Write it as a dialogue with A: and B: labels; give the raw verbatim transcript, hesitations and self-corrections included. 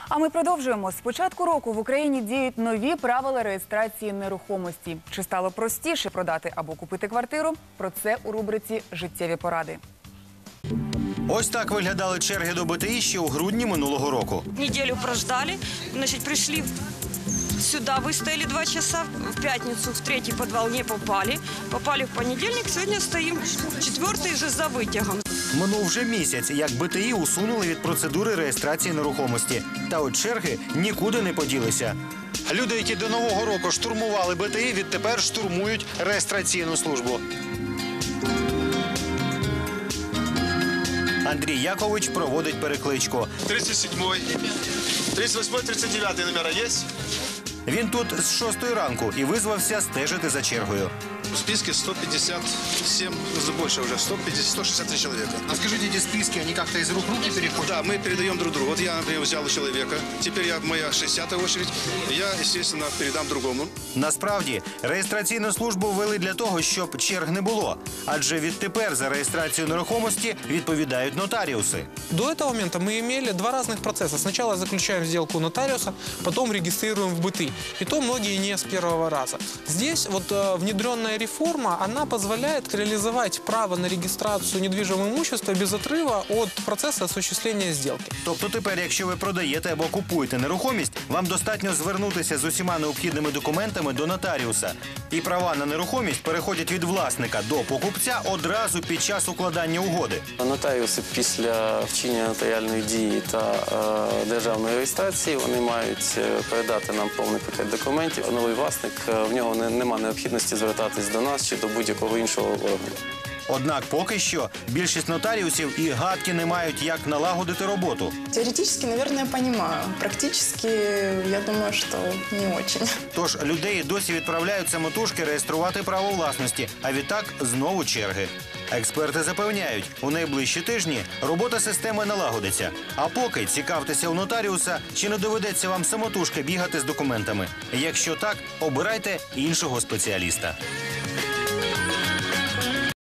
A: А ми продовжуємо. З початку року в Україні діють нові правила реєстрації нерухомості. Чи стало простіше продати або купити квартиру? Про це у рубриці «Життєві поради».
B: Ось так виглядали черги до БТІ ще у грудні минулого року.
C: Неделю прождали, значит, пришли сюда, выстояли два часа, в пятницу в третий подвал не попали, попали в понедельник, сегодня стоим четвертый же за вытягом.
B: Минув вже місяць, як БТІ усунули від процедури реєстрації нерухомості. Та от черги нікуди не поділися. Люди, які до Нового року штурмували БТІ, відтепер штурмують реєстраційну службу. Андрій Якович проводить перекличку.
D: тридцать седьмой, тридцать восьмой, тридцать девятый номера есть?
B: Він тут з шостої ранку і визвався стежити за чергою.
D: В списке сто пятьдесят семь, ну, больше уже, сто пятьдесят, сто шестьдесят три человека.
B: А скажите, эти списки, они как-то из рук в руки переходят?
D: Да, мы передаем друг другу. Вот я, например, взял у человека, теперь я, моя шестидесятая очередь, я, естественно, передам другому.
B: Насправді, реєстраційну службу ввели для того, щоб черг не було. Адже відтепер за реєстрацію нерухомості відповідають нотаріуси.
E: До этого момента мы имели два разных процесса. Сначала заключаем сделку у нотариуса, потом регистрируем в БТИ. И то многие не с первого раза. Здесь вот э, внедренная реформа, она позволяет реализовать право на регистрацию недвижимого имущества без отрыва от процесса осуществления сделки.
B: Тобто тепер, якщо ви продаєте або купуєте нерухомість, вам достатньо звернутися з усіма необхідними документами до нотаріуса. І права на нерухомість переходять від власника до покупця одразу під час укладання угоди.
F: Нотаріуси після вчинення нотаріальної дії та е, державної реєстрації вони мають передати нам повний пакет документів. Новий власник, в нього не, нема необхідності звертатись до нас чи до будь-якого іншого органу.
B: Однак поки що більшість нотаріусів і гадки не мають, як налагодити роботу.
G: Теоретически, наверное, понимаю. Практически, я думаю, что не очень.
B: Тож людей досі відправляють самотужки реєструвати право власності, а відтак знову черги. Експерти запевняють, у найближчі тижні робота системи налагодиться. А поки цікавтеся у нотаріуса, чи не доведеться вам самотужки бігати з документами. Якщо так, обирайте іншого спеціаліста.